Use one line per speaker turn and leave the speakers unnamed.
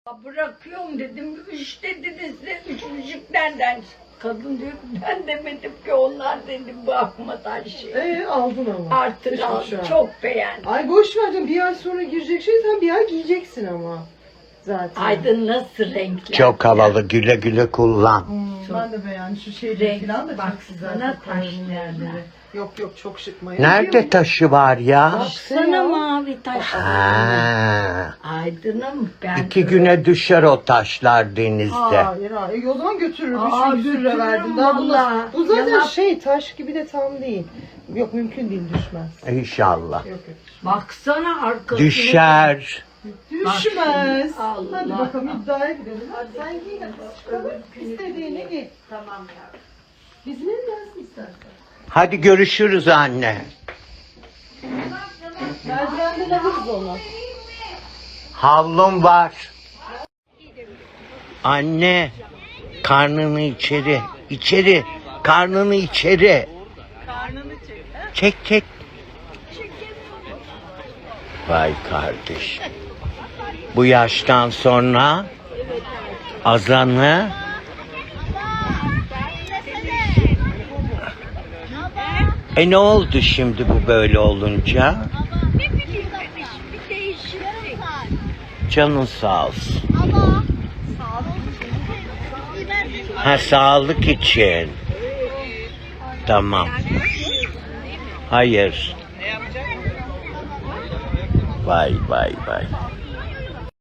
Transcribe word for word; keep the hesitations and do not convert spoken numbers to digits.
Bırakıyorum dedim. Üç dediniz de üç buçuk nereden? Kadın diyor ki ben demedim ki onlar dedim bakmadan şey.
Ee aldın ama.
Artık
Üç
aldım.
buçuğa.
Çok beğendim.
Ay boş ver canım, bir ay sonra girecek şey sen bir ay giyeceksin ama. Zaten.
Aydın nasıl renkler?
Çok havalı, güle güle kullan.
Hmm,
Çok
ben de beğendim şu şeyleri
renk,
falan da çok
baksana
güzel.
taşlarına.
yerleri. Yok yok çok şık Maya.
Nerede taşı var ya?
Baksana mavi taşlar.
Ha.
Aydın'ım ben.
İki güne düşer o taşlar denizde.
Hayır hayır. E, o zaman götürürüm.
Aa,
Üç yüz lira
götürürüm
verdim. Daha bu,
vallahi.
bu zaten
Yalan.
şey taş gibi de tam değil. Yok mümkün değil, düşmez.
İnşallah.
Yok yok.
Baksana arkasına.
Düşer.
Düşmez.
Allah.
Hadi bakalım iddiaya gidelim. Hadi sen giy. Çıkalım. İstediğini giy.
Tamam yavrum.
Bizim evlensin istersen.
Hadi görüşürüz anne.
Merdivenden alırız onu.
Havlum var. Anne, karnını içeri, içeri, karnını içeri.
Karnını çek.
Çek çek. Vay kardeş. Bu yaştan sonra azanı e ne oldu şimdi bu böyle olunca?
Ne bileyim demiş, bir değişiklik.
Canın sağ olsun.
Ama sağlık için.
Ha, sağlık için. Tamam. Hayır. Vay vay vay.